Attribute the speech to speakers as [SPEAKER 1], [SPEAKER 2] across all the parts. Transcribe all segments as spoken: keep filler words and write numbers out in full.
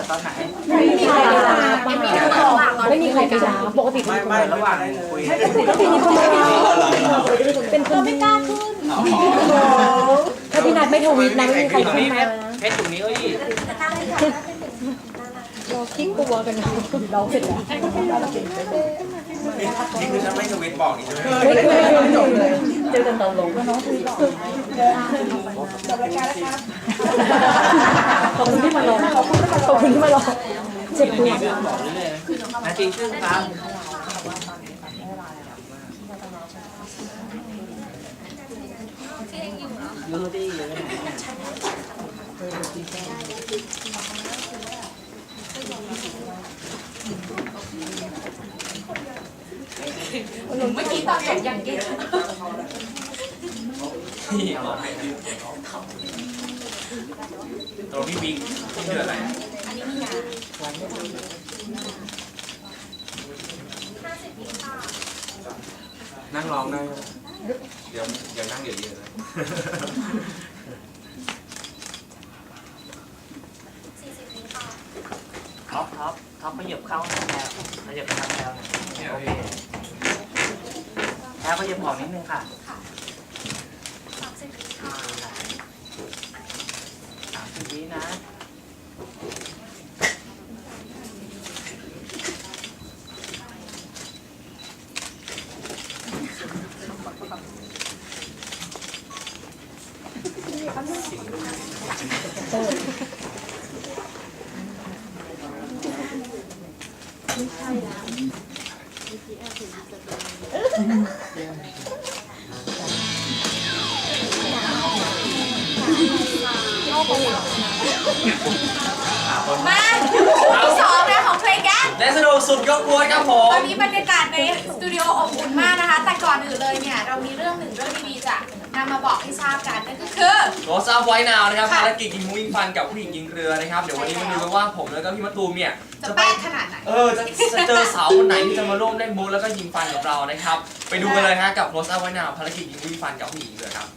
[SPEAKER 1] ตอนไหน
[SPEAKER 2] ไม่มีใครไปรับไม่มีไม่มีใครไปรับปกติไม่
[SPEAKER 1] ไม่ระหว่างคุย
[SPEAKER 2] ปกติมีคนมารับเป็นคนไม่กล้าขึ้นถ้าพี่นัทไม่ทวิตนะไม่มีใครขึ้นมา
[SPEAKER 1] เพชรตรงนี้เอ้ย
[SPEAKER 2] เราขี้กลัวกันเราเสร็จแล้ว
[SPEAKER 1] นี่คือฉันไม่ทวิตบอกนี่ใช่ไหม
[SPEAKER 2] ไม่เคยเจอกันตอนลงน้องคุยบอกจบรายการแล้วครับขอบคุณที่มารอขอบคุณที่มารอเจ็บปวด
[SPEAKER 1] นาทีครึ่งครับยูดีเลย
[SPEAKER 3] เมื่อกี้ตอนแข่งยังเก่ง
[SPEAKER 1] ตัวพี่บิ๊กที่เดือดอะไรนั่งร้องได้เดี๋ยวเดี๋ยวนั่งเดี๋ยวเย็นนะท็อปท็อปท็อปขยับเข้าแล้วขยับไปทางแล้วโอเคแล้วขยับออกนิดนึงค่ะสามสิบวินะ
[SPEAKER 3] มาที่สองนะของเพลงกัน
[SPEAKER 1] และสนุกสุดยกกวนครับผม
[SPEAKER 3] ตอนนี้บรรยากาศในสตูดิโออบอุ่นมากนะคะแต่ก่อนอื่นเลยเนี่ยเรามีเรื่องหนึ่งเรื่องดีๆจะนำมาบอกให้ทราบกันนั่นก็คือ
[SPEAKER 1] โรสอัพไว้นาวนะครับภารกิจยิงมุ้งยิงฟันกับผู้หญิงยิงเรือนะครับเดี๋ยววันนี้มาดูกันว่าผมแล้วก็พี่มะตูมเนี่ย
[SPEAKER 3] จะแป๊กขนาดไหน
[SPEAKER 1] เออจะจะเจอสาวคนไหนที่จะมาร่วมเล่นมุ้งแล้วก็ยิงฟันกับเรานะครับไปดูกันเลยฮะกับโรสอัพไว้นาวภารกิจยิงมุ้งยิงฟันกับผู้หญิงเรือครับ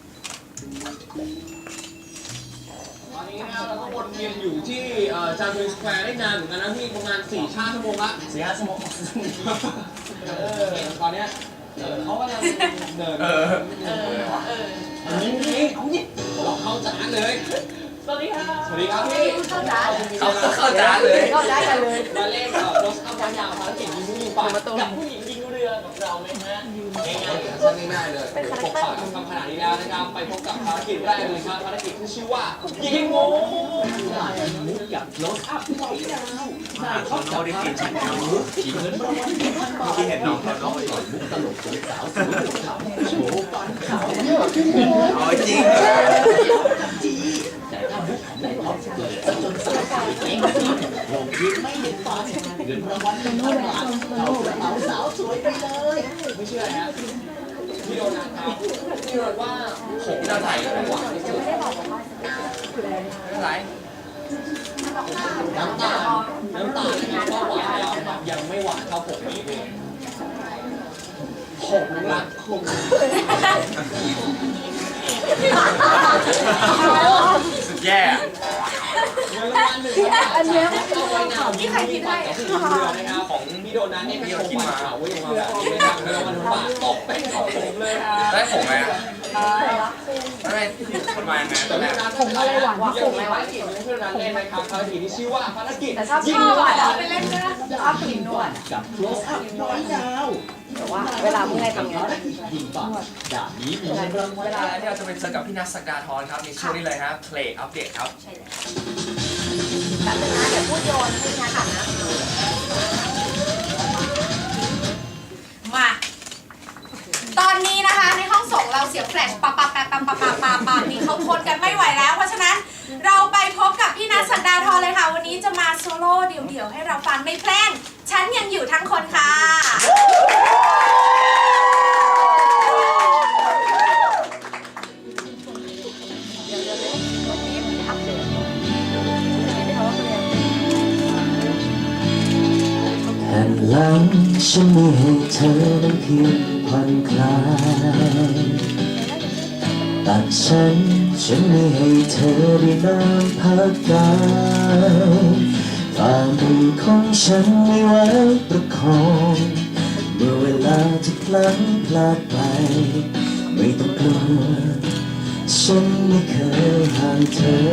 [SPEAKER 4] ตอนนี้เราก็วนเวียนอยู่ที่จามจุรีสแควร์ได้นานเหมือนกันนะพี่ประมาณสี่ห้าชั่วโมงละสี่ห้าชั่วโมงเออตอนเนี้ยเขากำลังเดินเออเออเออนี่นี่เอานี่หลอกเข้าจ๋าเลยสวัสดีครับสวัสดีครับพี่
[SPEAKER 3] เข้าจ๋า
[SPEAKER 1] เขาเข้าจ๋าเลย
[SPEAKER 3] เข้าจ๋ากันเลย
[SPEAKER 4] มาเล่นโรสอัพวันยาวภารกิจยิงผู้หญิงปากกับผู้หญิงยิงเรือของเราไหมฮะง่ายๆสั้นง่ายๆเลยปกปักทำขนาดนี้แล้วนะครับไปพบกับภารกิจแรกเลยครับภารกิจที่ชื่อว่ายิงงูกับโรสอัพไว้ยาว
[SPEAKER 1] เขาเขาได้กินฉันแล้วกินเงินรางวัลที่เห็นน้องเขาน้องต่อยมุกตลกสาวสวยขาวโชว์ฟันขาวอ๋อจริงจีแต่ถ้ามุกของนายท็อปเกิดจนสาวเองลงยิ้มไม่เห็นฟันเงินรางวัลเป็นพันบาทเอากระเป๋าสาวสวยไปเลย
[SPEAKER 4] ไม่เชื่อฮะพี่โดนัทครับพี่โดนว่าผม
[SPEAKER 1] ที่เราถ่ายกันหวานที่สุดไม่เป็นไร
[SPEAKER 4] น้ำตาลน้ำตาลนะครับก็หวานแล้วแบบยังไม่หวานเท่าผมนี้เองผมรักคุณ
[SPEAKER 1] สุดแย่
[SPEAKER 4] อันนี้ที่ใครคิดให้ของพี่โดนัทเนี่ยพี่เขาคิดมาเว้ยมาแบบนี้นะครับแล้วมันบาดตกเป็นของผมเลยครับ
[SPEAKER 1] ได้ผมไหมได้คนมาไงตอนแรก
[SPEAKER 4] ผมอะไรหวานผมอะไรหวานกินเพื่อนนั้นเล่นนะครับภารกิจที่ชื่อว่าภารกิจ
[SPEAKER 3] ยิงหวานเอาไปเล่นนะชอบกินนวด
[SPEAKER 4] กับ close up น้อยยาว
[SPEAKER 2] แต่ว่าเวลาเมื่อไงทำไง
[SPEAKER 4] ยิงปากด่านนี้มีเรื่อง
[SPEAKER 1] เวลาที่เราจะไปเจอกับพี่นัทสักดาธรครับในช่วงนี้เลยฮะเพลงอัปเดตครับ
[SPEAKER 3] ใช่เลยแบบนึงนะเดี๋ยวพูดโยนให้นะค่ะนะมาตอนนี้นะคะในห้องส่งเราเสียงแฟลชปับปับปับปับปับปับปับปับนี่เขาทนกันไม่ไหวแล้วเพราะฉะนั้นเราไปพบกับพี่นัทสักดาธรเลยค่ะวันนี้จะมาโซโล่เดี่ยวๆให้เราฟังในเพลงฉันยังอยู่ทั้งคนค่ะ
[SPEAKER 5] แผ่นหลังฉันมีให้เธอนั้นเพียงผ่อนคลายตัดฉันฉันไม่ให้เธอได้นอนพักกายฝ่ามือของฉันไม่ไว้ประคองเมื่อเวลาจะพลั้งพลาดไปไม่ต้องกลัวฉันไม่เคยห่างเธอ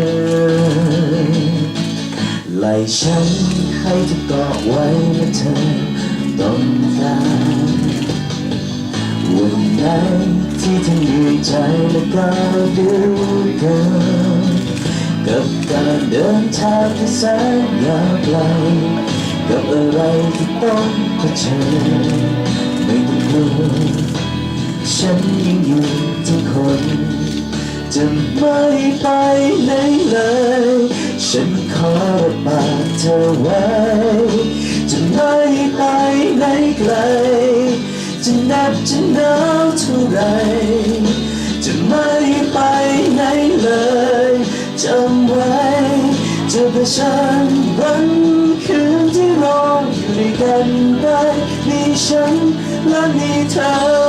[SPEAKER 5] ไล่ฉันให้เธอเกาะไว้เมื่อเธอต้องการวันไหนที่เธอเหนื่อยใจและก้าวเดินกันกับการเดินทางที่แสนยาวไกลกับอะไรที่ต้องเผชิญไม่ต้องกลัวฉันยังอยู่ทุกคนจะไม่ไปไหนเลยฉันขอรับปากเธอไว้จะไม่ไปไหนไกลจะหนักจะหนาวเท่าไรจะไม่ไปไหนเลยจำไว้จะเผชิญวันคืนที่รออยู่ด้วยกันได้มีฉันและมีเธอ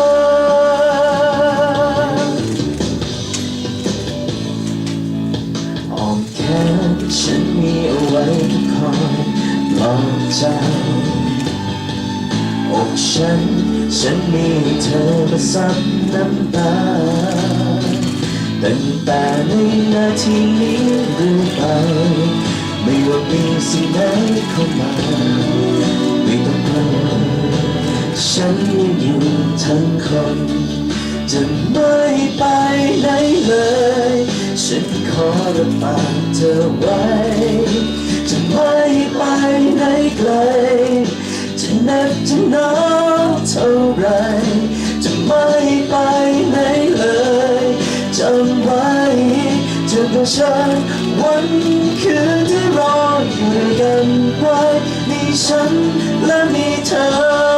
[SPEAKER 5] อ้อมแขนฉันมีเอาไว้คอยปลอบใจอกฉันฉันมีเธอมาซับน้ำตาตั้งแต่ในนาทีนี้เรื่อยไปไม่ว่ามีสิ่งใดเข้ามาไม่ต้องกลัวฉันยังอยู่ทั้งคนจะไม่ไปไหนเลยฉันขอรับปากเธอไว้จะไม่ไปไหนไกลจะเหน็บจะหนาวเท่าไรจะไม่ไปไหนเลยจำไว้จะเผชิญวันคืนที่รออยู่ด้วยกันไว้มีฉันและมีเธอ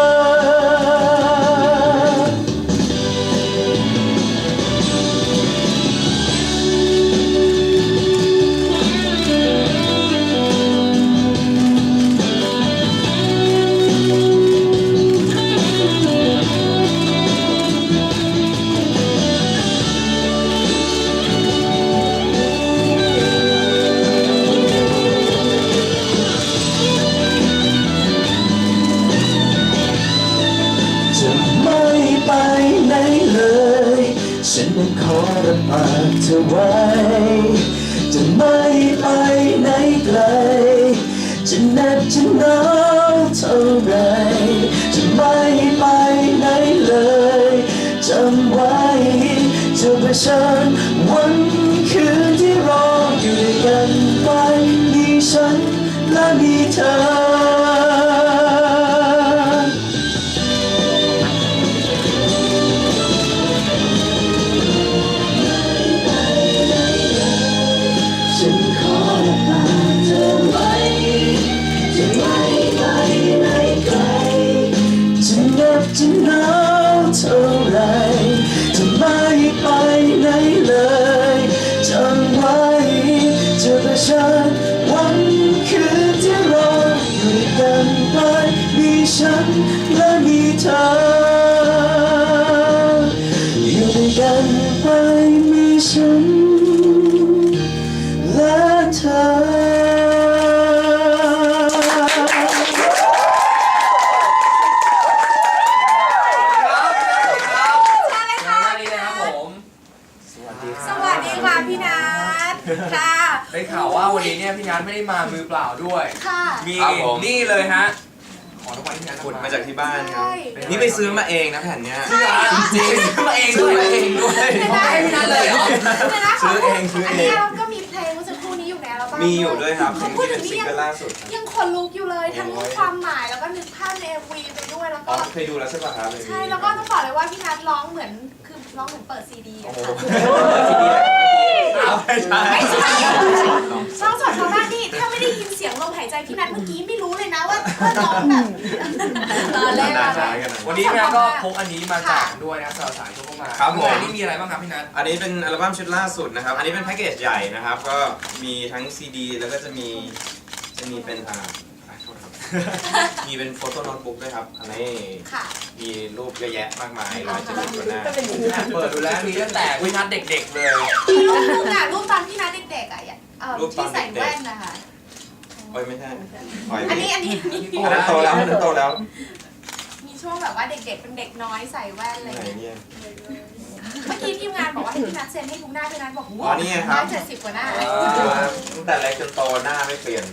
[SPEAKER 5] ฉันนั้นขอรับปากเธอไว้จะไม่ไปไหนไกลจะเหน็บจะหนาวเท่าไรจะไม่ไปไหนเลยจำไว้จะเผชิญวันคืนที่รออยู่ด้วยกันไปมีฉันและมีเธอจะหนาวเท่าไรจะไม่ไปไหนเลยจำไว้จะเผชิญวันคืนที่รออยู่ด้วยกันไปมีฉันและมีเธออยู่ด้วยกันไปมีฉันและเธอ
[SPEAKER 3] ค่ะ
[SPEAKER 1] ได้ข่าวว่าวันนี้เนี่ยพี่นัทไม่ได้มามือเปล่าด้วย
[SPEAKER 3] ค่ะ
[SPEAKER 1] มี
[SPEAKER 6] ครับผม
[SPEAKER 1] นี่เลยฮะ ขอรางวัลพี่นัท
[SPEAKER 6] ขุดมาจากที่บ้านครับ
[SPEAKER 3] ใช่
[SPEAKER 6] นี่ไปซื้อมาเองนะแผ่นเนี้ย
[SPEAKER 1] จริงซื้อมาเองด้วยเองด้วย
[SPEAKER 3] เดี๋ยวนะ
[SPEAKER 1] ให้พี่นัทเลยเหรอ
[SPEAKER 3] เดี๋ยวนะ
[SPEAKER 6] ซื้อเองซื้อเอง
[SPEAKER 3] นนี้เราก็มีเพลงเมื่อสักครู่นี้อยู่ในอัลบั้ม
[SPEAKER 6] มีอยู่ด้วยครับ
[SPEAKER 3] เขาพูด
[SPEAKER 6] ที่
[SPEAKER 3] ถึ
[SPEAKER 6] เป็น
[SPEAKER 3] ง
[SPEAKER 6] ซิง
[SPEAKER 3] นี่ยัง
[SPEAKER 6] เกิลล่าสุด
[SPEAKER 3] ยังขนลุกอยู่เลยทั้งความหมายแล้วก็นึกภาพใน เอ็ม วี ไปด้วยแล้ว
[SPEAKER 6] อ๋
[SPEAKER 3] ก็
[SPEAKER 6] อเคยดูแล้วใช่ป่ะครับ
[SPEAKER 3] ใช่แล้วก็ต้องบอกเลยว่าพี่นัทร้องเหมือนคือร้องเหมือนเปิดซีดีอะค่ะ
[SPEAKER 6] ไม่ใช่
[SPEAKER 3] ไม่ใช่ร้องสดชาวบ้านนี่ถ้าไม่ได้ยินเสียงลมหายใจพี่นัทเมื่อกี้ไม่รู้เลยนะว่าว่าร้องแบบตอนแรก
[SPEAKER 6] น่า
[SPEAKER 3] อะ
[SPEAKER 6] ใช่กันนะ
[SPEAKER 1] วันนี้พี่นัทก็พกอันนี้มาแจกด้วยนะสำหรับสายทุกเข้ามา
[SPEAKER 6] ครับผม
[SPEAKER 1] อันนี้มีอะไรบ้างครับพี่นัท
[SPEAKER 6] อันนี้เป็นอัลบั้มชุดล่าสุดนะครับ อันนี้เป็นแพ็กเกจใหญ่นะครับ ก็มีทั้งซีดีแล้วก็จะมีจะมีเป็นอ่าขอโทษครับมีเป็นโฟโต้โน้ตบุ๊กด้วยครับอันนี้
[SPEAKER 3] ค่ะ
[SPEAKER 6] มีรูปเยอะแยะมากมายร้อยเจ็ดสิบกว่าหน้า
[SPEAKER 4] เปิดดูแล้วมีตั้งแต่วินัทเด็กๆเลย
[SPEAKER 3] มีรูปนึงอ่ะรูปตอนพี่นัทเด็กๆอ่ะเอ่อ
[SPEAKER 6] รูปตอ
[SPEAKER 3] ที่
[SPEAKER 6] น
[SPEAKER 3] ใส่
[SPEAKER 6] เด็กๆ
[SPEAKER 3] แว่นนะคะ
[SPEAKER 6] โอ้ยไม่ใช่ปล่อย
[SPEAKER 3] อันนี้อันนี้อันนี้
[SPEAKER 6] อันนั้นโตแล้วอันนั้นโตแล้ว
[SPEAKER 3] มีช่วงแบบว่าเด็กๆเป็นเด็กน้อยใส่แว่นอะไร
[SPEAKER 6] ไหน
[SPEAKER 3] เงี้ย
[SPEAKER 6] เนี่ย
[SPEAKER 3] เมื่อกี้ทีมงานบอกว่าให้พี่นัทเซ็นให้ทุกหน้าพี่นัทบอก
[SPEAKER 6] อ๋อนี่ไงครับ
[SPEAKER 3] ร้อยเจ็ดสิบกว่าหน้า
[SPEAKER 6] ตั้งแต่เล็กจนโตหน้าไม่เปลี่ยน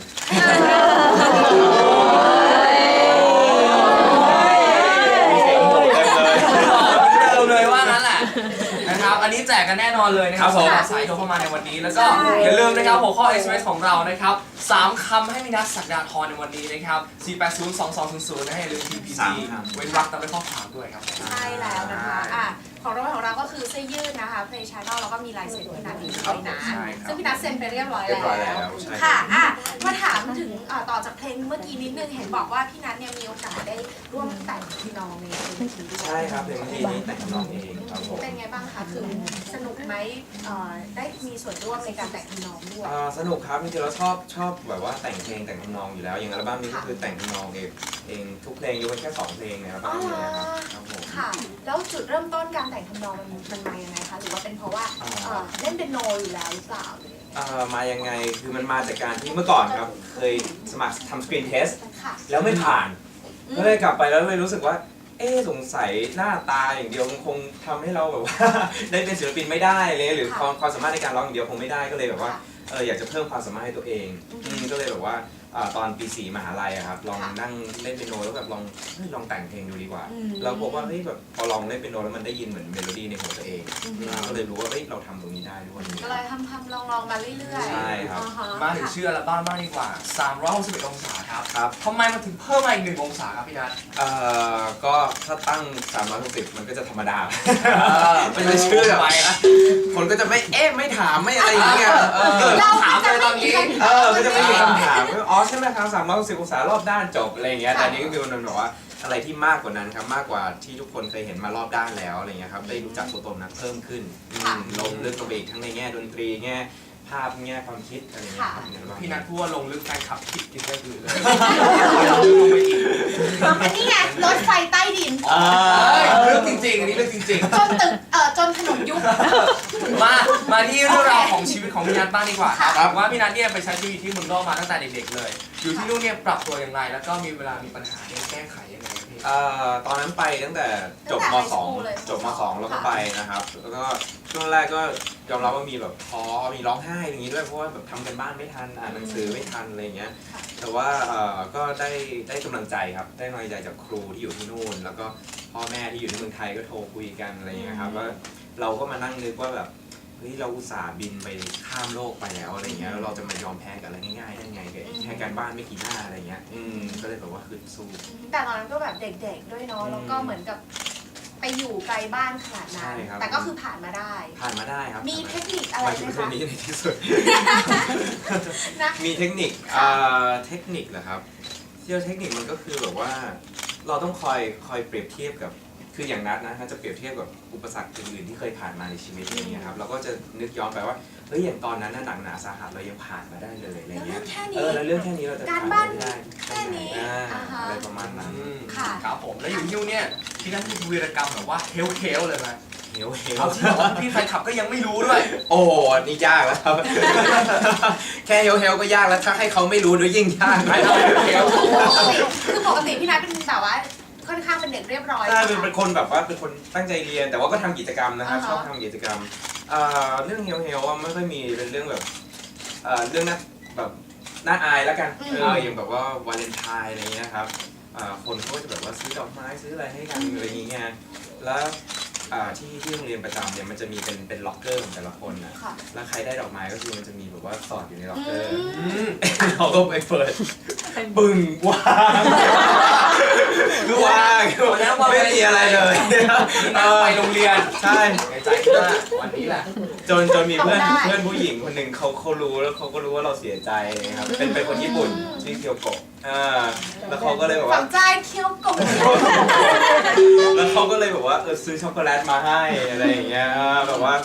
[SPEAKER 4] เดิมเลยว่างั้นแหละนะครับอันนี้แจกกันแน่นอนเลยนะครับ
[SPEAKER 6] ครับผม
[SPEAKER 4] สายโทรเข้ามาในวันนี้แล้วก็อย่าลืมนะครับหัวข้อ เอส เอ็ม เอส ของเรานะครับสามคำให้มีนัทศักดาธรในวันนี้นะครับสี่แปดศูนย์ สองสองศูนย์ศูนย์นะให้อย่าลืม ที พี
[SPEAKER 6] สา
[SPEAKER 4] ซี
[SPEAKER 6] มคำ
[SPEAKER 4] เว้นวรรคตามด้วยข้อความด้วยครับ
[SPEAKER 3] ใช่แล้วนะคะอ่ะของรางวัลของเราก็คือเสื้อยืดนะคะเพลย์ชาแนลแล้วก็มีลายเซ็นพี่นัทอีกด้วยนะ
[SPEAKER 6] ใช่ครับ
[SPEAKER 3] ซึ่งพี่นัทเซ็นไปเรียบร้อย
[SPEAKER 6] เรียบร้อย
[SPEAKER 3] แล้
[SPEAKER 6] แล้ว วใช่
[SPEAKER 3] ค่ะอ่ะมาถามถึงเอ่อต่อจากเพลงเมื่อกี้นิดนึงเห็นบอกว่าพี่นัทเนี่ยมีโอกาสได้ร่วมแต่งพี่น้องในเพลงนี้ด้วย
[SPEAKER 6] ใช่ครับเพลงที่นี้แต่งทำนองเองครับผม
[SPEAKER 3] เป็นไงบ้างคะคือสนุกไหมเอ่อได้มีส่วนร่วมในการแต่งพี่น้องด้วย
[SPEAKER 6] อ่าสนุกครับจริงๆเราชอบชอบแบบว่าแต่งเพลงแต่งทำนองอยู่แล้วอย่างอัลบั้มนี้ก็คือแต่งทำนองเองเองทุกเพลงยกเว้นแค่สองเพลงในอัลบั้มนี้นะครับครับผม
[SPEAKER 3] ค่ะ แล้วจุดเริ่มต้นการแต่งทำนองมันมันมายังไงคะ หรือว่าเป็นเพราะว่า
[SPEAKER 6] อ่า
[SPEAKER 3] เอ่อเล่นเป็นโนอยู่แล้วหรือเปล่าหรือยังไง
[SPEAKER 6] อ่ามายังไงคือมันมาจากการที่เมื่อก่อนครับเคยสมัครทำสกรีนเทส
[SPEAKER 3] ค่ะ
[SPEAKER 6] แล้วไม่ผ่าน
[SPEAKER 3] อืม
[SPEAKER 6] ก็เลยกลับไปแล้วเลยรู้สึกว่า เอ๊ะสงสัยหน้าตาอย่างเดียวมันคงทำให้เราแบบว่า ได้เป็นศิลปินไม่ได้เลยหรือความความสามารถในการร้องอย่างเดียวคงไม่ได้ก็เลยแบบว่า
[SPEAKER 3] ค่ะ
[SPEAKER 6] เอออยากจะเพิ่มความสามารถให้ตัวเอง
[SPEAKER 3] อืม
[SPEAKER 6] อืมก็เลยแบบว่าอ่าตอนปีสี่มหาลัยอะครับลอง
[SPEAKER 3] ค่ะ
[SPEAKER 6] นั่งเล่นเปียโนแล้วแบบลองเฮ้ยลองแต่งเพลงดูดีกว่า
[SPEAKER 3] อืม
[SPEAKER 6] เราพบว่าเฮ้ยแบบพอลองเล่นเปียโนแล้วมันได้ยินเหมือนเมโลดี้ในหัวตัวเอง
[SPEAKER 3] อืม
[SPEAKER 6] อ่าก็เลยรู้ว่าเฮ้ยเราทำตรงนี้ได้ด้วย
[SPEAKER 3] ก็เลยทำทำลองลองมาเรื่อยๆ
[SPEAKER 6] ใช่ครับ
[SPEAKER 3] อ่ฮะ
[SPEAKER 4] มาถึงชื่ออัลบั้มบ้างดีกว่าสามร้อยหกสิบเอ็ดองศาครับ
[SPEAKER 6] ครับ
[SPEAKER 4] ทำไมมันถึงเพิ่มมาอีกหนึ่งองศาครับพี่นัท
[SPEAKER 6] เอ่อก็ถ้าตั้งสามร้อยหกสิบมันก็จะธรรมดา
[SPEAKER 4] อ
[SPEAKER 6] มันจะชื่อแบบคนก็จะไม่เอ๊ะไม่ถามไม่อะไรอย่างเงี้ย
[SPEAKER 4] เออ
[SPEAKER 6] เกิด
[SPEAKER 3] เรา
[SPEAKER 4] ถาม
[SPEAKER 3] จะ
[SPEAKER 4] เลยต
[SPEAKER 3] ไม่
[SPEAKER 4] อน
[SPEAKER 3] มี
[SPEAKER 4] นี้
[SPEAKER 3] ใคร
[SPEAKER 6] เออก็จะไม่มีคำถามว่าอ๋อใช่ไหมครับสามร้อยหกสิบองศารอบด้านจบอะไรอย่างเงี้ยแต่อันนี้ก็คือมันแบบว่าอะไรที่มากกว่านั้นครับมากกว่าที่ทุกคนเคยเห็นมารอบด้านแล้วอะไรเงี้ยครับได้รู้จักตัวตนนั้นเพิ่มขึ้นอืมลงลึกลงไปอีกทั้งในแง่ดนตรีแง่ภาพแง่ความคิดอะไรเงี้ยครับในอัลบั้ม
[SPEAKER 4] พี่นัทพูดว่าลงลึกแฟนคลับคิดกินได้คือเลย
[SPEAKER 3] อันนี้ไงรถไฟใต้ดิน
[SPEAKER 6] อ่า
[SPEAKER 4] เรื่องจริงๆ อันนี้เรื่องจริง
[SPEAKER 3] จนตึกเอ่อจนถนนยุบ
[SPEAKER 4] ๆ มา มาที่เรื่องราวของชีวิตของพี่นัทบ้างดีกว่าครับ
[SPEAKER 3] ค่ะ
[SPEAKER 4] ว่าพี่นัทเนี่ยไปใช้ชีวิตที่เมืองนอกมาตั้งแต่เด็กๆเลย อยู่ที่นู่นเนี่ยปรับตัวอย่างไร แล้วก็มีเวลามีปัญหาเนี่ยแก้ไขยังไงครับพี่
[SPEAKER 6] เอ่อตอนนั้นไปตั้งแต่จบม
[SPEAKER 3] ตั้งแต่
[SPEAKER 6] สอง
[SPEAKER 3] ไฮสคูลเลย
[SPEAKER 6] จบมสองแล้วก็ไปนะครับ แล้วก็ช่วงแรกก็ยอมรับว่ามีแบบท้อมีร้องไห้อย่างนี้ด้วยเพราะว่าแบบทำกันบ้านไม่ทันอ่านหนังสือไม่ทันอะไรอย่างเงี้ย แต่ว่าเอ่อก็ได้ได้กำลังใจครับได้กำลังใจจากครูที่อยู่ที่นู่น แล้วก็พ่อแม่ที่อยู่ที่เมืองไทยก็โทรคุยกันอะไรอย่างเงี้ยครับว่าเราก็มานั่งนึกว่าแบบเฮ้ยเราอุตส่าห์บินไปข้ามโลกไปแล้วอะไรเงี้ยแล้วเราจะมายอมแพ้กับอะไรง่ายๆได้ไงแค่การบ้านไม่กี่หน้าอะไรเงี้ยอืมก็เลยแบบว่าคือสู้
[SPEAKER 3] แต่ตอนนั้นก็แบบเด็กๆด้วยเนาะ แล้วก็เหมือนกับไปอยู่ไกลบ้านขนาดนั้น
[SPEAKER 6] ใช่ครับ
[SPEAKER 3] แต่ก็คือผ่านมาได้
[SPEAKER 6] ผ่านมาได้ครับ
[SPEAKER 3] มีเทคนิคอะไร
[SPEAKER 6] มา
[SPEAKER 3] ไห
[SPEAKER 6] ถึ
[SPEAKER 3] ม
[SPEAKER 6] งเรื่อ
[SPEAKER 3] คะ
[SPEAKER 6] งนี้ในที่สุด
[SPEAKER 3] นะ
[SPEAKER 6] มีเทคนิคอ่าเทคนิคเหรอครับที่เราเทคนิคมันก็คือแบบว่าเราต้องคอยคอยเปรียบเทียบกับคืออย่างนัดนะถ้าจะเปรียบเทียบกับอุปสรรคอื่นๆที่เคยผ่านมาในชีวิตอะไรเงี้ยครับเราก็จะนึกย้อนไปว่าเฮ้ยอย่างตอนนั้นน่ะหนักหนาสาหัสเรายังผ่านมาได้เลยอะไร
[SPEAKER 3] แล้ว
[SPEAKER 6] เงี้
[SPEAKER 3] เรื่อย งแค่
[SPEAKER 6] เอ
[SPEAKER 3] นี้
[SPEAKER 6] อแล้วเรื่องแค่นี้เราจะ
[SPEAKER 3] การ
[SPEAKER 6] ผ่าน
[SPEAKER 3] บ้าน
[SPEAKER 6] ไม่ได้
[SPEAKER 3] แค่นี้
[SPEAKER 6] อ่า
[SPEAKER 3] อ่าฮะ
[SPEAKER 6] อะไรประมาณนั้น
[SPEAKER 4] อืม
[SPEAKER 3] ค่ะ
[SPEAKER 4] ครับผม แล้วอยู่ที่นู่นเนี่ยพี่นัทมีวีรกรรมแบบว่าเฮลเทลเลยไหม
[SPEAKER 6] เฮลเฮล
[SPEAKER 4] เอาที่บอกว่าพี่แฟนคลับก็ยังไม่รู้ด้วย
[SPEAKER 6] โอ้โหนี่ยากแล้วครับ แค่เฮลเฮลก็ยากแล้วถ้าให้เขาไม่รู้ด้วยยิ่งยากไม่เอาเฮลเฮล
[SPEAKER 3] คือปกติคือปกติพี่นัทเป็นแบบว่าค่อนข้างเป็นเด็กเรียบร้อย
[SPEAKER 6] ใช่เป็นเป็นคนแบบว่าเป็นคนตั้งใจเรียน แต่ว่าก็ทำกิจกรรมนะครับ
[SPEAKER 3] อ่าฮะ
[SPEAKER 6] ชอบทำกิจกรรมเอ่อเรื่องเฮลเฮลว่าไม่ค่อยมีเป็นเรื่องแบบเอ่อเรื่องน่าแบบน่าอายแล้วกันเอออย่างแบบว่าวาเลนไทน์อะไรเงี้ยครับอ่าคนเขาก็จะแบบว่าซื้อดอกไม้ซื้ออะไรให้กันอะไรอย่างเงี้ยแล้วอ่าที่ที่โรงเรียนประจำเนี่ยมันจะมีเป็นเป็นล็อกเกอร์ของแต่ละคนนะ
[SPEAKER 3] ค่ะ
[SPEAKER 6] แล้วใครได้ดอกไม้ก็คือมันจะมีแบบว่าสอดอยู่ในล็อกเกอร์
[SPEAKER 3] อืม
[SPEAKER 6] เราก็ไปเปิดปึ้งว่างคือว่างไม่มีอะไรเลย
[SPEAKER 4] พี่นัทไปโรงเรียน
[SPEAKER 6] ใช่
[SPEAKER 4] ในใจคิดว่าวันนี้แหละ
[SPEAKER 6] จนจนมีเพื่อน
[SPEAKER 3] ทำได้
[SPEAKER 6] เพื่อนผู้หญิงคนหนึ่งเขาเขารู้แล้วเขาก็รู้ว่าเราเสียใจนะครับเป็นเป็นคนญี่ปุ่นชื่อเคียวโกะอ่าแล้วเขาก็เลยแบบ
[SPEAKER 3] ฝั
[SPEAKER 6] ว่า
[SPEAKER 3] งใจเคี้ยวกบ
[SPEAKER 6] แล้วเขาก็เลยแบบว่าเออซื้อช็อกโกแลตมาให้อะไรอย่างเงี้ยแบบว่า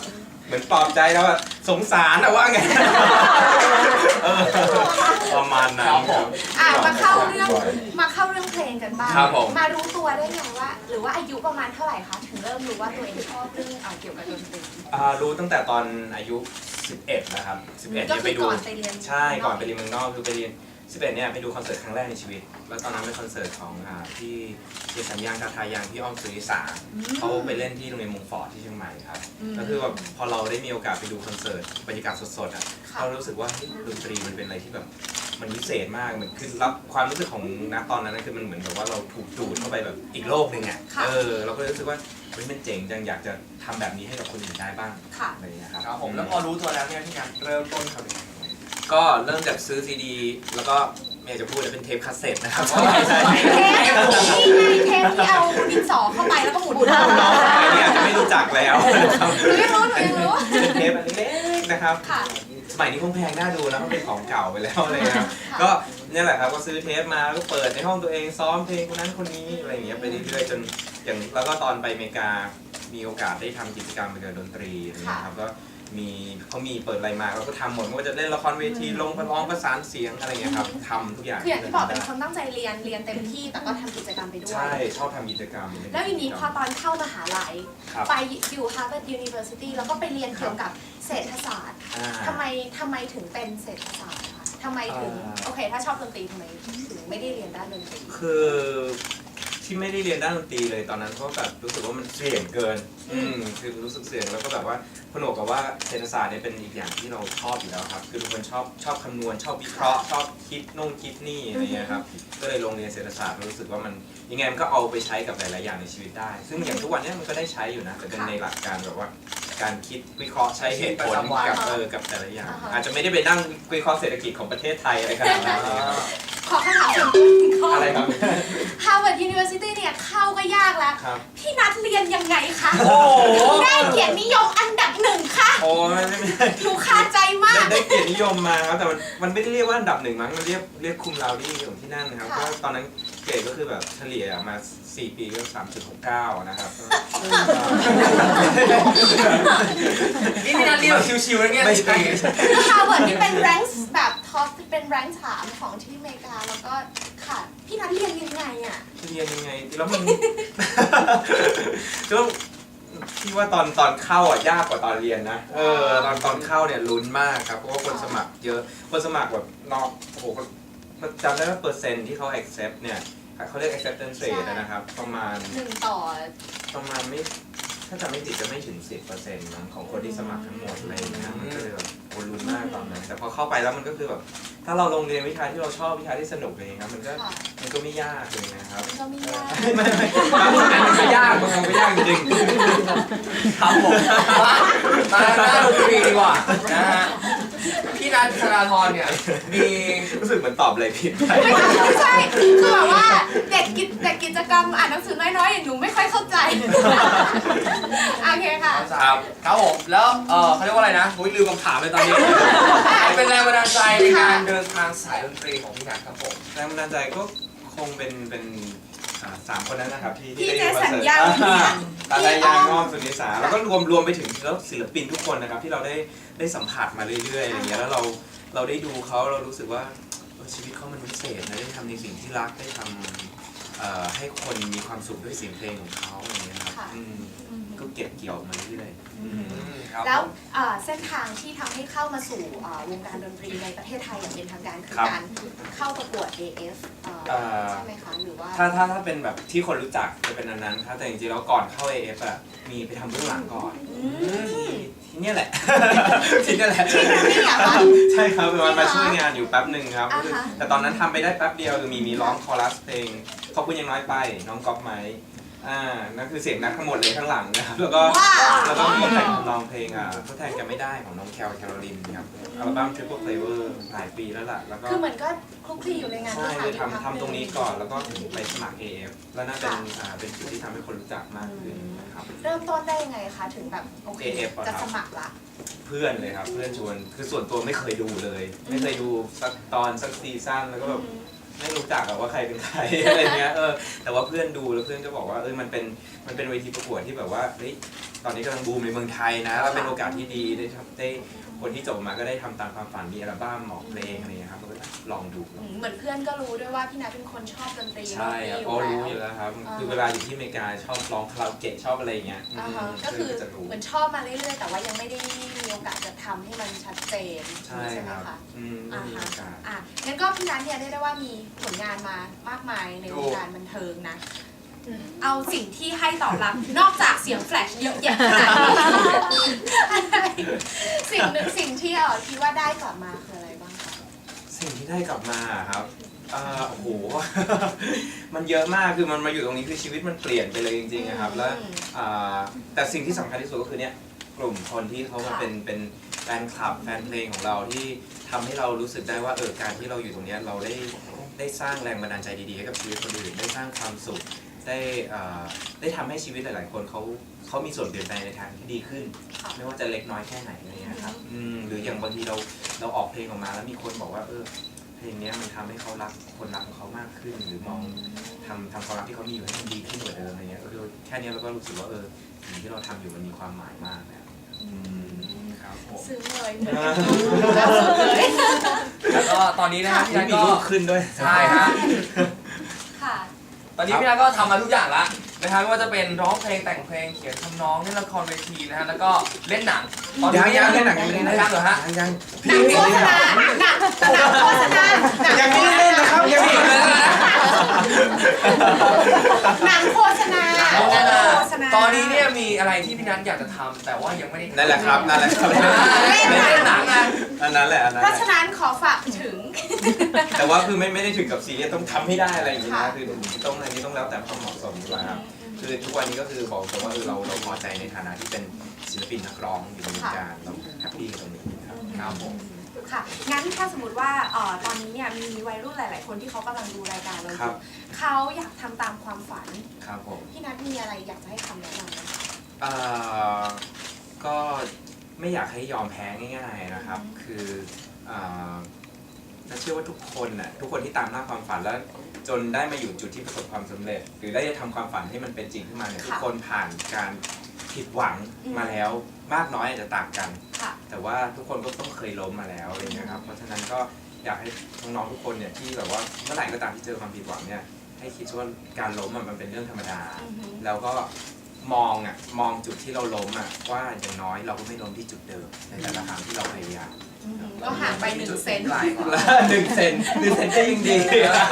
[SPEAKER 6] เหมือนปลอบใจแล้วว่าสงสารนะว่าไงเออประมาณนั้นครับ
[SPEAKER 3] อ่ะมาเข้าเรื่องมาเข้าเรื่องเพลงกันบ้าง
[SPEAKER 6] ครับผม
[SPEAKER 3] มารู้ตัวได้ไงว่า หรือว่าอายุประมาณเท่าไหร่คะถึงเริ่มรู้ว่าตัวเองชอบเรื่องเอ่อเกี่ยวกับดนตรี
[SPEAKER 6] อ่ารู้ตั้งแต่ตอนอายุสิบเอ็ดนะครับสิบเอ็ด
[SPEAKER 3] ก็
[SPEAKER 6] เนี่ย
[SPEAKER 3] คื
[SPEAKER 6] ไป
[SPEAKER 3] อ
[SPEAKER 6] ดู
[SPEAKER 3] ก่อนไปเรียน
[SPEAKER 6] ใช่ก่อนไปเรียนเมืองนอกคือไปเรียนสิบเอ็ดเนี่ยไปดูคอนเสิร์ตครั้งแรกในชีวิต แล้วตอนนั้นเป็นคอนเสิร์ตของอ่าที่เจสัญญางทาทายังที่อ้อมสุริสาเขาไปเล่นที่โรงเรียนมงฟอร์ดที่เชียงใหม่ครับก็คือแบบพอเราได้มีโอกาสไปดูคอนเสิร์ตบรรยากาศสดๆอ่ะเรารู้สึกว่าเฮ้ยดนตรีมันเป็นอะไรที่แบบมันพิเศษมากเหมือนคือรับความรู้สึกของณตอนนั้นนะคือมันเหมือนแบบว่าเราถูกดูดเข้าไปแบบอีกโลกหนึ่งอ่ะเออเราก็เลยรู้สึกว่าเฮ้ยมันเจ๋งจังอยากจะทำแบบนี้ให้กับคนอื่นได้บ้าง
[SPEAKER 3] ค่ะ
[SPEAKER 6] อะไรอย่างเงี้ยครับ
[SPEAKER 4] ครับผมแล้วพอรู้ตัวแล้วเนี่ยพี่การเริ่มต้นทำยังไง
[SPEAKER 6] ก็เริ่มจากซื้อซีดี แล้วก็ไม่อยากจะพูดเลยเป็นเทปคาสเซ็ตนะครับ
[SPEAKER 3] เทปนี่ไงเทปที่เอาดินสอเข้าไปแล้วก็หมุนหมุน
[SPEAKER 6] น้องๆสมัยนี้อาจจะไม่รู้จักแล้วนะครับ
[SPEAKER 3] หนูยังรู้หนูยังรู้
[SPEAKER 6] เป็นเทปอันเล็กๆนะครับ
[SPEAKER 3] ค่ะ
[SPEAKER 6] สมัยนี้คงแพงน่าดูแล้วมันเป็นของเก่าไปแล้วอะไรเลยนะ
[SPEAKER 3] ค่ะ
[SPEAKER 6] ก็เนี่ยแหละครับก็ซื้อเทปมาแล้วก็เปิดในห้องตัวเองซ้อมเพลงคนนั้นคนนี้อะไรอย่างเงี้ยไปเรื่อยๆจนอย่างแล้วก็ตอนไปอเมริกามีโอกาสได้ทำกิจกรรมเกี่ยวกับดนตรีอะไรเงี้ยครับก็มีเขามีเปิดอะไรมาเราก็ทำหมดไม่ว่าจะเล่นละครเวทีลงประร้องประสานเสียงอะไรเงี้ยครับทำทุกอย่าง
[SPEAKER 3] คืออย่างที่บอกเป็นคนตั้งใจเรียนเรียนเต็มที่แต่ก็ทำกิจกรรมไปด้วย
[SPEAKER 6] ใช่ชอบทำกิจกรรม
[SPEAKER 3] แล้วทีนี้พอตอนเข้ามหาลัย
[SPEAKER 6] ครับ
[SPEAKER 3] ไปอยู่ Harvard University แล้วก็ไปเรียนเกี่ยวกับเศรษฐศาสตร์
[SPEAKER 6] อ่า
[SPEAKER 3] ทำไมทำไมถึงเป็นเศรษฐศาสตร์คะทำไมถึง
[SPEAKER 6] อ่า
[SPEAKER 3] โอเค ถ้าชอบดนตรีทำไมถึงไม่ได้เรียนด้านดนตรี
[SPEAKER 6] คือที่ไม่ได้เรียนด้านดนตรีเลยตอนนั้นเพราะแบบรู้สึกว่ามันเสี่ยงเกิน อืมคือรู้สึกเสี่ยงแล้วก็แบบว่าผนวกกับว่าเศรษฐศาสตร์เนี่ยเป็นอีกอย่างที่เราชอบอยู่แล้วครับคือเป็นคนชอบชอบคำนวณชอบวิเคราะห์ชอบคิดนู่นคิดนี่อะไรเงี้ยครับก็เลยลงเรียนเศรษฐศาสตร์รู้สึกว่ามันยังไงมันก็เอาไปใช้กับหลายๆอย่างในชีวิตได้ ซึ่งอย่างทุกวันเนี้มันก็ได้ใช้อยู่นะแต่เป็นในหลักการแบบว่าการคิดวิเคราะห์ใช้เหตุผลกับเออกับแต่ละอย่าง อาจจะไม่ได้ไปนั่งวิเคราะห์เศรษฐกิจของประเทศไทยอะไรขนาดนั้น
[SPEAKER 3] ขอคำถามส่วนตัวอีกข้อ
[SPEAKER 6] อะไรครับ
[SPEAKER 3] Harvard University เนี่ยเข้าก็ยากแล้ว
[SPEAKER 6] ครับ
[SPEAKER 3] พี่นัทเรียนยังไงคะ
[SPEAKER 6] โอ้โห
[SPEAKER 3] ถึงได้เกียรตินิยมอันดับหนึ่งค่ะ
[SPEAKER 6] โอ้ไม่ไม่ไม่
[SPEAKER 3] หนูคาใจมาก
[SPEAKER 6] ได้เกียรตินิยมมาครับแต่มันมันไม่ได้เรียกว่าอันดับหนึ่งมั้งมันเรียกเรียกคุมลาวดี้ของที่นั่นนะครับ
[SPEAKER 3] ค่ะ
[SPEAKER 6] ก็ตอนนั้นเกรดก็คือแบบเฉลี่ยมาสี่ปีก็สามจุดหกเก้านะครับ
[SPEAKER 4] นี่พี่นัทเรียกชิวๆนะเนี่ย
[SPEAKER 6] ไม่ใช่
[SPEAKER 3] คือ Harvard นี่เป็นแรงค์แบบท็อปเป็นแรงค์สามของที่อเมริกาแล้วก็ค่ะ พี่นัทเรียนยังไงอ่ะ
[SPEAKER 6] เรียนยังไงแล้วมัน ก็ที่ว่าตอนตอนเข้าอ่ะยากกว่าตอนเรียนนะ เออตอนตอนเข้าเนี่ยลุ้นมากครับเพราะว่าคนสมัครเยอะคนสมัครแบบนอกโอ้โหจำได้ว่าเปอร์เซ็นต์ที่เขา accept เนี่ยเขาเรียก acceptance rate นะครับประมาณ
[SPEAKER 3] หนึ่งต่อ
[SPEAKER 6] ประมาณไม่ถ้าจำไม่ผิดจะไม่ถึง สิบเปอร์เซ็นต์ นะของคนที่สมัครทั้งหมดอะไรอย่างเงี้ยมันก็เลยแบบโอ้ลุ้นมากตอนนั้นแต่พอเข้าไปแล้วมันก็คือแบบถ้าเราลงเรียนวิชาที่เราชอบวิชาที่สนุกอะไรอย่างเงี้ยมันก็
[SPEAKER 3] ค่ะ
[SPEAKER 6] มันก็ไม่ยากเลยนะครับ
[SPEAKER 3] มันก็ไม่ยาก
[SPEAKER 6] ไม่ไม่ไม่บางอันมันก็ยากบางอันก็ยากจริง
[SPEAKER 4] ครับผมมามาด้านดนตรีดีกว่านะฮะพี่นัทธนาธรเนี่ยมี
[SPEAKER 6] ๆรู้สึกเหมือนตอบอะไรผิดไป
[SPEAKER 3] ไม่ใช่ไม่ใช่คือแบบว่าเด็กกิจเด็กกิจกรรมอ่านหนังสือน้อยๆอย่างหนูไม่ค่อยเข้าใจ โอเคค่ะ
[SPEAKER 6] ครับ
[SPEAKER 4] ครับผมแล้วเออเขาเรียกว่าอะไรนะผมลืมคำถามเลยตอนนี้ใครเป็นแรงบันดาลใจในการเดินทางสายดนตรีของพี่นัทครับผม
[SPEAKER 6] แรงบันดาลใจก็คงเป็นเป็นอ่าสามคนนั้นนะครับที่
[SPEAKER 3] พี่
[SPEAKER 6] ที่
[SPEAKER 3] เจ
[SPEAKER 6] ได้
[SPEAKER 3] สัญญา
[SPEAKER 6] คอนเสิร์ต
[SPEAKER 3] เนี่ย
[SPEAKER 6] ตา
[SPEAKER 3] พี่
[SPEAKER 6] ลาย
[SPEAKER 3] อ้
[SPEAKER 6] ยา
[SPEAKER 3] อง ม
[SPEAKER 6] อ้อมสุนิสาแล้วก็รวมรวมไปถึงแล้วศิลปินทุกคนนะครับที่เราได้ได้สัมผัสมาเรื่อยๆอย่างเงี้ยแล้วเราเราได้ดูเขาเรารู้สึกว่าเออชีวิตเขามันพิเศษนะได้ทำในสิ่งที่รักได้ทำเอ่อให้คนมีความสุขด้วยเสียงเพลงของเขาอย่างเงี้ยครับ
[SPEAKER 3] ค่ะ
[SPEAKER 6] อืมก็เก็บเกี่ยวมาเรื่อยๆอืม
[SPEAKER 4] ครับ
[SPEAKER 3] แล้วเอ่อเส้นทางที่ทำให้เข้ามาสู่เอ่อวงการดนตรีในประเทศไทยอย่างเป็นทางการคือ
[SPEAKER 6] ครับ
[SPEAKER 3] การเข้าประกวด เอ เอฟ เอ่อ
[SPEAKER 6] เอ่อ
[SPEAKER 3] ใช่ไหมคะหรือว่า
[SPEAKER 6] ถ้าถ้าถ้าเป็นแบบที่คนรู้จักจะเป็นอันนั้นครับแต่จริงๆแล้วก่อนเข้า เอ เอฟ อ่ะมีไปทำเบื้องหลังก่อน
[SPEAKER 3] อืม
[SPEAKER 6] ที่ที่เนี่ยแหละ ที่เนี่ยแหละ
[SPEAKER 3] ที่นั่นนี่เหรอคะ
[SPEAKER 6] ใช่ครับมามา
[SPEAKER 3] จริงเหรอ
[SPEAKER 6] ช่วยงานอยู่แป๊บหนึ่งครับ
[SPEAKER 3] อ่าฮะ
[SPEAKER 6] แต่ตอนนั้นทำไปได้แป๊บเดียวคือมีมีร้องคอรัสเพลงขอบคุณยังน้อยไปน้องก๊อฟไม้อ่านั่นคือเสียงนักทั้งหมดเลยข้างหลังนะครับแล้วก็
[SPEAKER 3] ว้าว
[SPEAKER 6] แล้วก็มีแต่งทำนองเพลงอ่ะทดแทนกันไม่ได้ของน้องแคลแคโรลินครับอัลบั้ม Triple Flavor หลายปีแล้วล่ะแล้วก็
[SPEAKER 3] คือเหมือนก็คลุกคลีอยู่ในงาน
[SPEAKER 6] ใช่
[SPEAKER 3] ที่
[SPEAKER 6] คือ
[SPEAKER 3] ทำ
[SPEAKER 6] ทำทำตรงนี้ก่อนแล้วก็ถึงไปสมัคร เอ เอฟ แล้วน่าเป็นอ่าเป็นจุดที่ทำให้คนรู้จักมากขึ้นนะครับ
[SPEAKER 3] เริ่มต้นได้ยังไงคะถึงแบบโอเค
[SPEAKER 6] เอ เอฟ อะ
[SPEAKER 3] จะ
[SPEAKER 6] ครับ
[SPEAKER 3] สมัครละ
[SPEAKER 6] เพื่อนเลยครับเพื่อนชวนคือส่วนตัวไม่เคยดูเลย ไม่เคยดูสักตอนสักซีซั่นแล้วก็แบบไม่รู้จักอะว่าใครเป็นใคร อะไรเงี้ยเออแต่ว่าเพื่อนดูแล้วเพื่อนก็บอกว่าเออมันเป็นมันเป็นเวทีประกวดที่แบบว่าเฮ้ยตอนนี้กำลังบูมในเมืองไทยนะแล้วเป็นโอกาสที่ดีได้ทำได้คนที่จบมาก็ได้ทำตามความฝันมีอัลบั้มออกเพลงอะไรอย่างเงี้ยครับก็ลองดู
[SPEAKER 3] อืมเหมือนเพื่อนก็รู้ด้วยว่าพี่นัทเป็นคนชอบดนตรี
[SPEAKER 6] ใช่ครับ
[SPEAKER 3] อ
[SPEAKER 6] โอ้
[SPEAKER 3] ยู่
[SPEAKER 6] รู้อ
[SPEAKER 3] แล้ว
[SPEAKER 6] ยู่แล้วครับ
[SPEAKER 3] อ่า
[SPEAKER 6] คือเวลาอยู่ที่อเมริกาชอบร้องคาราโอเกะชอบอะไรอย่างเงี้ย
[SPEAKER 3] อ่าฮะ
[SPEAKER 6] ม
[SPEAKER 3] ก็คือ
[SPEAKER 6] จะรู้
[SPEAKER 3] เหมือนชอบมาเรื่อยๆแต่ว่ายังไม่ได้มีโอกาสจะทำให้มันชัดเจน
[SPEAKER 6] ใช่
[SPEAKER 3] ไหม
[SPEAKER 6] ครับ
[SPEAKER 3] คะ
[SPEAKER 6] อืมไม่
[SPEAKER 3] อ่า
[SPEAKER 6] มี
[SPEAKER 3] ฮะ
[SPEAKER 6] โอกาส
[SPEAKER 3] อ่ะงั้นก็พี่นัทเนี่ยเรียกได้ว่ามีผลงานมามากมายในวงการบันเทิงนะ เอาสิ่งที่ให้ตอบรับ นอกจากเสียงแฟลชเยอะแยะขนาดนี้สิ่งหนึ่งสิ่งที่เออคิดว่าได้กลับมาคืออะไรบ้างคะ
[SPEAKER 6] สิ่งที่ได้กลับมาครับอ่าโอ้โห มันเยอะมาก คือมันมาอยู่ตรงนี้คือชีวิตมันเปลี่ยนไปเลยจริงๆนะครับ แล้วอ่าแต่สิ่งที่สำคัญที่สุดก็คือเนี่ยกลุ่มคนที่เขามาเป็นเป็นแฟนคลับแฟนเพลงของเราที่ทำให้เรารู้สึกได้ว่าเออการที่เราอยู่ตรงเนี้ยเราได้ได้สร้างแรงบันดาลใจดีๆให้กับชีวิตคนอื่นได้สร้างความสุขได้อ่าได้ทำให้ชีวิตหลายๆคนเขาเขามีส่วนเปลี่ยนแปลงในทางที่ดีขึ้น ไม่ว่าจะเล็กน้อยแค่ไหนอะไรเงี้ยครับอืมหรืออย่างบางทีเราเราออกเพลงออกมาแล้วมีคนบอกว่าเออเพลงเนี้ยมันทำให้เขารักคนรักของเขามากขึ้น หรือมองทำทำความรักที่เขามีอยู่ให้มันดีขึ้นกว่าเดิมอะไรเงี้ยเออแค่เนี้ยเราก็รู้สึกว่าเออสิ่งที่เราทำอยู่มันมีความหมายมากแล้วอืมครับผม
[SPEAKER 3] ซึ้งเลยเหมือนกันแล้วสุดเลย
[SPEAKER 7] แล้วก็ตอนนี้นะครับพี่นัท
[SPEAKER 6] มี
[SPEAKER 7] ก็
[SPEAKER 6] รูปขึ้นด้วย
[SPEAKER 7] ใช่ฮะ
[SPEAKER 3] ค่ะ
[SPEAKER 7] ตอนนี้พี่นัทก็ทำมาทุกอย่างละนะครับไม่ว่าจะเป็นร้องเพลงแต่งเพลงเขียนทำนองเล่นละครเวทีนะฮะแล้วก็เล่นหนังตอน
[SPEAKER 6] ยัง
[SPEAKER 7] นี้
[SPEAKER 6] ยังเล่นหนัง
[SPEAKER 7] ยั
[SPEAKER 6] ยัง
[SPEAKER 7] ง
[SPEAKER 6] ไม่
[SPEAKER 7] ไม่
[SPEAKER 6] ได้
[SPEAKER 7] ได้เหรอฮะ
[SPEAKER 6] ยังยัง
[SPEAKER 3] หนังโฆษณาหนังหนังโฆษณาหนัง
[SPEAKER 6] ยังไม่ได้เล่นนะครับยังไม่ได้เล่นนะ
[SPEAKER 3] หนังโฆษณา
[SPEAKER 7] โฆษณา
[SPEAKER 3] โฆษณา
[SPEAKER 7] ตอนนี้เนี่ยมีอะไรที่พี่นัทอยากจะทำแต่ว่ายังไม่ได้ทำ
[SPEAKER 6] นั่นแหละครับนั่นแหละครับ
[SPEAKER 7] อ่าเล่นเล่นหนังอ่ะ
[SPEAKER 6] อันนั้นแหละอันนั้น
[SPEAKER 3] เพ
[SPEAKER 6] แห
[SPEAKER 3] ราะ
[SPEAKER 6] ละ
[SPEAKER 3] ฉะนั้นขอฝากถึง
[SPEAKER 6] แต่ว่าคือไม่ไม่ได้ถึงกับซีเรียสต้องทำให้ได้อะไรอย่างนี้
[SPEAKER 3] ค่ะ
[SPEAKER 6] นะคือต้องอันนี้ต้องแล้วแต่ความเหมาะสมดีกว่าครับคือทุกวันนี้ก็คือบอกตรงว่าเออเราเราพอใจในฐานะที่เป็นศิลปินนักร้องอยู่ในวงการเราแฮปปี้กับตรงนี้ครับครับผม
[SPEAKER 3] ค่ะงั้นถ้าสมมติว่าเอ่อตอนนี้เนี่ยมีวัยรุ่นหลาย ๆ คนที่เขากำลังดูรายการเราอ
[SPEAKER 6] ครั
[SPEAKER 3] ยู่
[SPEAKER 6] บ
[SPEAKER 3] เขาอยากทำตามความฝัน
[SPEAKER 6] ครับผม
[SPEAKER 3] พี่นัทมีอะไรอยากจะให้คำแนะนำไหมคะ
[SPEAKER 6] เอ่อก็ไม่อยากให้ยอมแพ้ง่ายๆนะครับ คือเอ่อน่าเชื่อว่าทุกคนน่ะทุกคนที่ตามหน้าความฝันแล้วจนได้มาอยู่จุดที่ประสบความสำเร็จ หรือได้ทำความฝันให้มันเป็นจริงขึ้นมาเนี่ยทุกคนผ่านการผิดหวังมาแล้วมากน้อยอาจจะต่างกัน
[SPEAKER 3] ค่ะ
[SPEAKER 6] แต่ว่าทุกคนก็ต้องเคยล้มมาแล้วอะไรเงี้ยครับ เพราะฉะนั้นก็อยากให้น้องๆทุกคนเนี่ยที่แบบว่าเมื่อไหร่ก็ตามที่เจอความผิดหวังเนี่ยให้คิดว่าการล้มอะมันเป็นเรื่องธรรมดา
[SPEAKER 3] อือฮึ
[SPEAKER 6] แล้วก็มองอ่ะมองจุดที่เราล้มอ่ะว่าอย่างน้อยเราก็ไม่ล้มที่จุดเดิมในแต่ละครั้งที่เราพยายาม
[SPEAKER 3] อือฮึก็ห่างไปหนึ่งเซน
[SPEAKER 6] แล้วหนึ่งเซนหนึ่งเซนก็ยังดี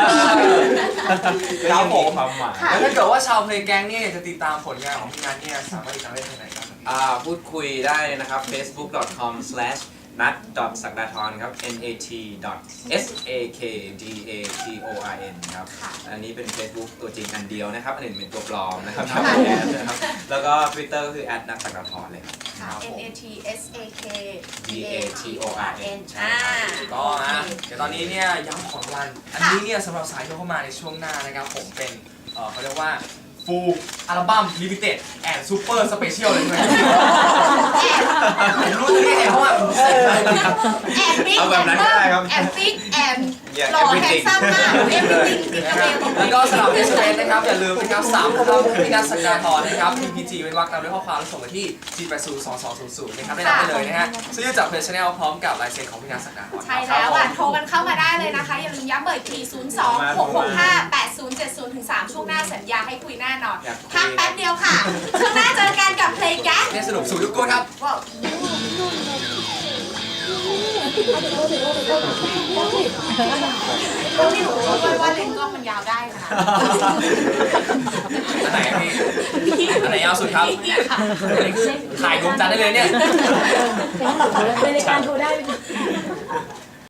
[SPEAKER 6] ก็ยังมีความหมาย
[SPEAKER 7] แล้วถ้าเกิดว่าชาวเพลงแก๊งเนี่ยอยากจะติดตามผลงานของพี่นัทเนี่ยสามารถติดตามได้ที่ไหนบ้างครับ
[SPEAKER 6] อ่าพูดคุยได้นะครับ เฟซบุ๊ก ดอท คอม สแลช นัท ดอท ศักดาธรครับ เอ็น เอ ที ดอท เอส เอ เค ดี เอ ที โอ อาร์ เอ็น ครับ
[SPEAKER 3] ค่ะ
[SPEAKER 6] อันนี้เป็น Facebook ตัวจริงอันเดียวนะครับ อันอื่นเป็นตัวปลอมนะครับ
[SPEAKER 3] ค่ะ
[SPEAKER 6] แอดนะครับ แล้วก็ Twitter ก็คือ แอท นัท ศักดาธรเลยครับ
[SPEAKER 3] ค่ะ N A T S A K
[SPEAKER 6] D A T O R N ใช่
[SPEAKER 3] อ่า
[SPEAKER 6] ครับ
[SPEAKER 7] ก็นะเดี๋ยวตอนนี้เนี่ยย้ำของรางวัลอันนี้เนี่ยสำหรับสายที่เข้ามาในช่วงหน้านะครับผมเป็นเอ่อเขาเรียกว่าฟูลอัลบั้มลิมิเต็ดแอนด์ซูเปอร์สเปเชียลเลยใช่ไหมผมรู้ตัวนี้เองเพราะว่าผมเสร็จเลย
[SPEAKER 3] แอนบิ๊ก
[SPEAKER 6] เอาแบบนั้นก็ได้ครับ
[SPEAKER 3] แอนฟิกแอน
[SPEAKER 6] Yeah,
[SPEAKER 3] หล่อแฮน
[SPEAKER 6] everything
[SPEAKER 3] ซัมมากเอฟวิติงติ๊กเกอร์
[SPEAKER 7] แล้วก็สำหรับ เอส เอ็ม เอส นะครับอย่าลืมนะครับสามคำพี่นัทศักดาธรนะครับ พี พี จี เป็นวรรคตามด้วยข้อความแล้วส่งมาที่ จี แปด ศูนย์ สอง สอง ศูนย์ ศูนย์ นะครับได้รับไปเลยนะฮะซื้อจากเพจชาแนลพร้อมกับลายเซ็นของพี่นัทศักดาธร
[SPEAKER 3] ใช่แล้วอ่ะโทรกันเข้ามาได้เลยนะคะ อย่าลืมย้ำเบอร์อีกที ศูนย์ สอง หก หก ห้า แปด ศูนย์ เจ็ด ศูนย์ ถึง สาม ช่วงหน้าสัญญาให้คุยแน่นอน
[SPEAKER 6] อยากคุย
[SPEAKER 3] พักแป๊บเดียวค่ะ ช่วงหน้าเจอกันกับเพลงแก๊ส
[SPEAKER 7] เนี่ยสนุกสุดทุกคนครับ
[SPEAKER 3] ว้าว ก็ไม่รู้ด้วยว่าเลนส์กล้องมันยาวได้ค่ะ
[SPEAKER 7] อันไหนอะพี่ อันไหนยาวสุดครับ
[SPEAKER 3] เนี่ยค่ะ
[SPEAKER 7] อันนี้คือถ่ายดวงจันทร์ได้เลยเนี่ย
[SPEAKER 2] เป็นรายการโทรได้